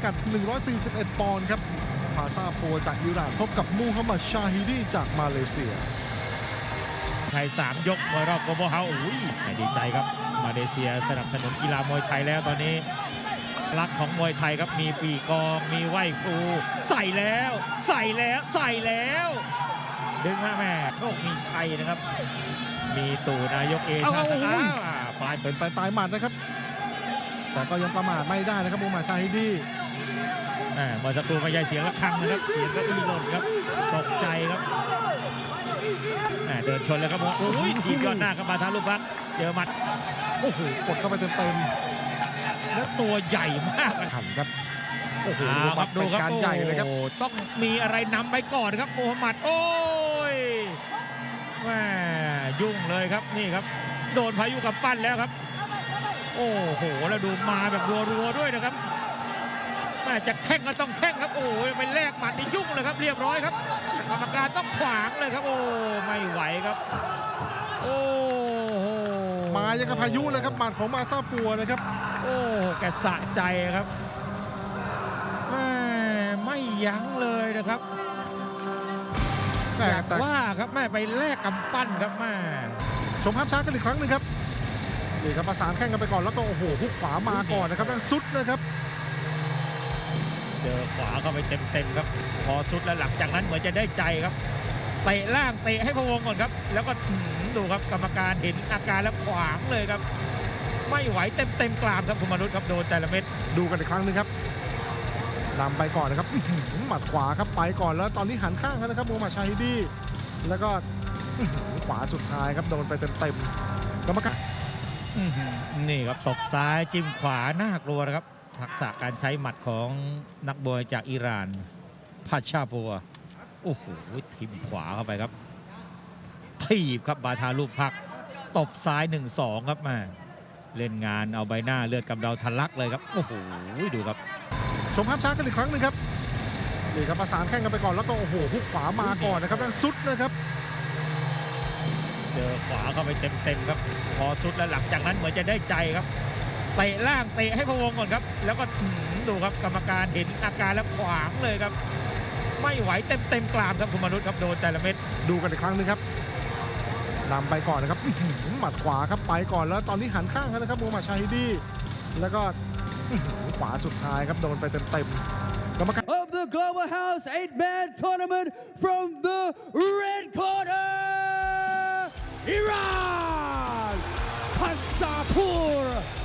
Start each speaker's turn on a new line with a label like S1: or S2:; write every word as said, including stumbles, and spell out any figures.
S1: กัดหนึ่งร้อยสี่สิบเอ็ดปอนด์ครับพาซาปัวจากอิหร่านพบกับมูฮัมหมัดชาฮิดีจากมาเลเซีย
S2: ไทยสามยกมวยรอบโกลบอลเฮาส์อุ้ยดีใจครับมาเลเซียสนับสนุนกีฬามวยไทยแล้วตอนนี้รักของมวยไทยครับมีปีกองมีไหวครูใส่แล้วใส่แล้วใส่แล้วดึงฮะแม่โชคมีชัยนะครับมีตู่นายกเองครับ
S1: ปลายเป็นปลายปลายหมัดนะครับแต่ก็ยังประมาทไม่ได้นะครับมูฮัมหมัดชาฮิดี
S2: เมื่อสักครู่ไม่ใช่เสียงระฆังนะครับเสียงก็อีหล่นครับตกใจครับเดินชนเลยครับโอ้ยทีมยอดหน้าครับมาทางลูกพักเจอหมัด
S1: โอ้โหกดเข้าไปเต็ม
S2: ๆแล้วตัวใหญ่มาก
S1: ขำครับโอ้โห
S2: ดูครับ
S1: การใหญ่เลยครับ
S2: ต้องมีอะไรนำไปก่อนครับมูฮัมหมัดโอ้ยแม่ยุ่งเลยครับนี่ครับโดนพายุกับปั้นแล้วครับโอ้โหแล้วดูมาแบบรัวๆด้วยนะครับแม่จะแข่งก็ต้องแข่งครับโอ้ยไปแลกหมัดนี่ยุ่งเลยครับเรียบร้อยครับกรรมการต้องขวางเลยครับโอ้ไม่ไหวครับโอ้โห
S1: มายังกับพายุเลยครับหมัดของมาซาปัวนะครับ
S2: โอ้แกสะใจครับแม่ไม่ยั้งเลยนะครับอยากว่าครับแม่ไปแลกกำปั้นครับแม่
S1: ชมภาพช้ากันอีกครั้งหนึ่งครับนี่ครับประสานแข้งกันไปก่อนแล้วก็โอ้โหฮุกขวามาก่อนนะครับนั่นซุดนะครับ
S2: เจอขวาเข้าไปเต็มๆครับพอสุดแล้วหลังจากนั้นเหมือนจะได้ใจครับเตะล่างเตะให้พะวงก่อนครับแล้วก็ดูครับกรรมการเห็นอาการแล้วขวางเลยครับไม่ไหวเต็มๆกรามครับคุณมนุษย์ครับโดนแต่ละเม็ด
S1: ดูกันอีกครั้งนึงครับนำไปก่อนนะครับหมัดขวาครับไปก่อนแล้วตอนนี้หันข้างแล้วนะครับมูฮัมหมัดชาฮิดีแล้วก็ขวาสุดท้ายครับโดนไปเต็มๆกรรมการ
S2: นี่ครับศอกซ้ายจิ้มขวาน่ากลัวนะครับทักษะการใช้หมัดของนักมวยจากอิหร่านพาชาปัวโอ้โหทิมขวาเข้าไปครับถีบครับบาทาลูกพักตบซ้าย หนึ่งสอง ครับมาเล่นงานเอาใบหน้าเลือดกำเดาทะลักเลยครับโอ้โหดูครับ
S1: ชมภาพช้ากันอีกครั้งนึงครับนี่ครับประสานแข้งกันไปก่อนแล้วก็โอ้โหฮุกขวามาก่อนนะครับนั่นซุดนะครับ
S2: เจอขวาเข้าไปเต็มๆครับพอสุดแล้วหลังจากนั้นเหมือนจะได้ใจครับเตะล่างเตะให้พะวงก่อนครับแล้วก็ดูครับกรรมการเห็นอาการแล้วขวางเลยครับไม่ไหวเต็มๆกรามครับคุณมนุษย์ครับโดนแต่ละเม็ด
S1: ดูกันอีกครั้งนึงครับนำไปก่อนนะครับหมัดขวาครับไปก่อนแล้วตอนนี้หันข้างแล้วนะครับมูฮัมหมัดชาฮิดีแล้วก็ขวาสุดท้ายครับโดนไปเต็มๆกรรมการ
S3: of the Global House eight man tournament from the red corner Iran Pasapur